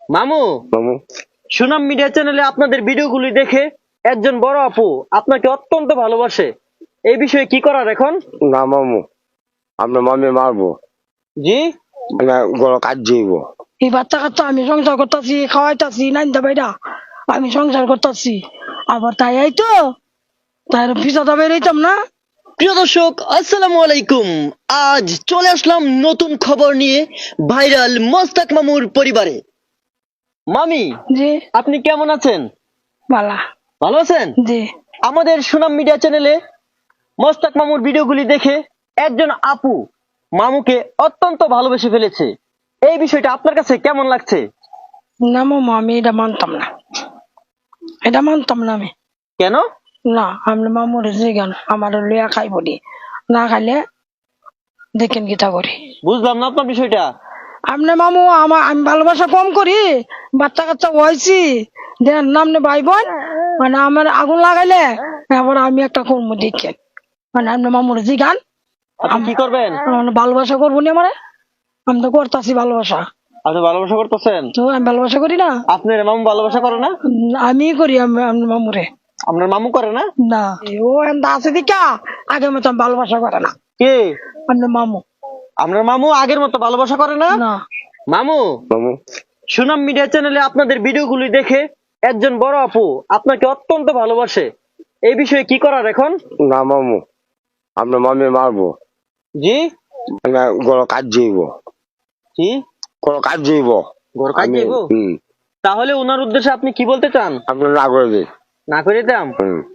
মামু মামু সুনাম মিডিয়া চ্যানেলে আপনাদের ভিডিওগুলি দেখে একজন বড় আপু আপনাকে অত্যন্ত ভালোবাসে, এই বিষয়ে কি করার এখন? না মামু, আপনার মামি মারবো, জি মানে গলা কাট যাইব। এই বাচ্চা কাচ্চা আমি সংসার করতেছি, খাওয়াইতাছি, নাইন্দা বাইরা আমি সংসার করতেছি, আবার তাই এই তো তাই পিছাটা বেরোইতাম না। প্রিয় দর্শক, আসসালামু আলাইকুম। আজ চলে আসলাম নতুন খবর নিয়ে ভাইরাল মোস্তাক মামুর পরিবারে। মামি, জি আপনি কেমন আছেন? বালা। ভালো আছেন? জি আমাদের সুনাম মিডিয়া চ্যানেলে মোস্তাক মামুর ভিডিওগুলি দেখে একজন আপু মামুকে অত্যন্ত ভালোবেসে ফেলেছে, এই বিষয়টা আপনার কাছে কেমন লাগছে? না মামা, আমি এটা মানতাম না, এটা মানতাম না আমি। কেন? না, আমি মামুর যে গান আমার লইয়া খাইব দি, না খাইলে দেখেন গীতা করি। বুঝলাম না আপনার বিষয়টা। আমনে মামু আমি ভালোবাসা কম করি, বাচ্চা কাচ্চা হয়েছি দেন নামনে ভাই বোন, মানে আমার আগুন লাগাইলে এবার আমি একটা কর্ম দেখেন, মানে আমনে মামুর যে গান আপনি কি করবেন? মানে ভালোবাসা করবো নি আমারে, আমি তো করতেছি ভালোবাসা। আপনি ভালোবাসা করতেছেন? তো আমি ভালোবাসা করি না? আপনার মামু ভালোবাসা করে না? আমি করি আমি মামুরে। আপনার মামু করে না? না, ও এমন আছে দিকা আগের মতো ভালোবাসা করে না। কে? আপনার মামু। আপনার মামু আগের মতো ভালোবাসা করে না? না। মামু, মামু সুনাম মিডিয়া চ্যানেলে আপনাদের ভিডিওগুলি দেখে একজন বড় আপু আপনাকে অত্যন্ত ভালোবাসে, এই বিষয়ে কি করার এখন? না মামু, আপনার মামি মারবো, জি মানে গলা কাট যাইব, জি গলা কাট যাইব। ঘর কাজ যাইব? তাহলে ওনার উদ্দেশ্যে আপনি কি বলতে চান? আপনার না করে দিন। না করে দিতাম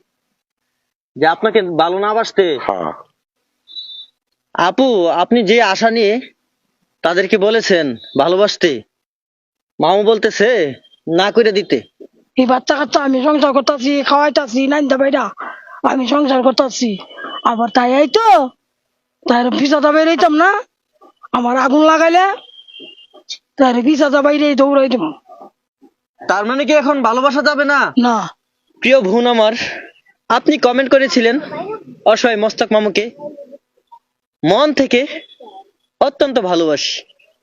যে আপনাকে ভালো না বাসতে। হ্যাঁ আপু, আপনি যে আশা নিয়ে তাদেরকে বলেছেন ভালোবাসতে, মামু বলতেছে না করে দিতে। এই বাচ্চা কাচ্চা আমি সংসার করতেছি, খাওয়াইতাছি, নাইন্দা বাইরা আমি সংসার করতেছি, আবার তাই এই তো তাই পিছাটা বেরোইতাম না, আমার আগুন লাগাইলে তাই পিছাটা বাইরে দৌড়াই দিব। তার মানে কি এখন ভালোবাসা যাবে না? না। প্রিয় বোন আমার, আপনি কমেন্ট করেছিলেন অসহায় মোস্তাক মামুকে মন থেকে অত্যন্ত ভালোবাসি,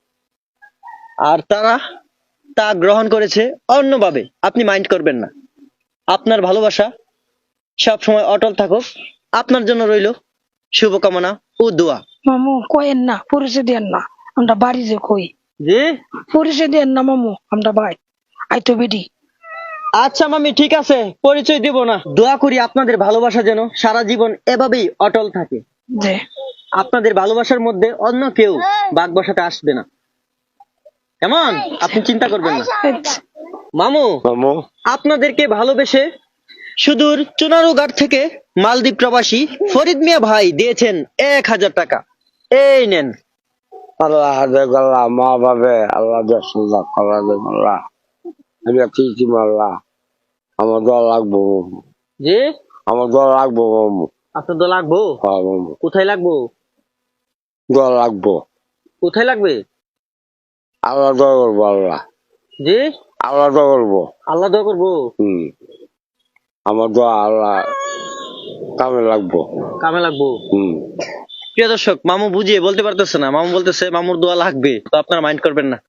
আর তারা তা গ্রহণ করেছে অন্যভাবে। আপনি মাইন্ড করবেন না, আপনার ভালোবাসা সব সময় অটল থাকুক। আপনার জন্য রইল শুভকামনা ও দোয়া। মামু কয়েন না, পরিচয় দেন না, আমরা বাড়ি যে কই জি পরিচয় দেন না মামু, আমরা ভাই আই তো বেডি। আচ্ছা মামি, ঠিক আছে, পরিচয় দিব না। দোয়া করি আপনাদের ভালোবাসা যেন সারা জীবন এভাবেই অটল থাকে। যে আপনাদের ভালোবাসার মধ্যে অন্য কেউ বাগ বসাতে আসবে না, কেমন? আপনি চিন্তা করবেন না। মামু, মামু আপনাদেরকে ভালোবেসে সুদূর চুনারুঘাট থেকে মালদ্বীপ প্রবাসী ফরিদ মিয়া ভাই দিয়েছেন 1000 টাকা। এই নেন। আল্লাহ হাজার গল্লা মা বাবে আল্লাহ দেশাল্লাহ কলা দেব আল্লাহ, আমি ঠিকই মাল্লাহ, আমার দল লাগবো মামু, যে আমার দল লাগবো মামু। আপনার তো লাগবো? হ্যাঁ মামু, কোথায় লাগবো? দল লাগবো, কোথায় লাগবে? আল্লাহ দল করবো, আল্লাহ যে আল্লাহ দল করবো। আল্লাহ দোয়া করবো? আমার দোয়া আল্লাহ কামে লাগবো। কামে লাগবো? প্রিয় দর্শক, মামু বুঝিয়ে বলতে পারতেছে না, মামু বলতেছে মামুর দোয়া লাগবে, তো আপনারা মাইন্ড করবেন না।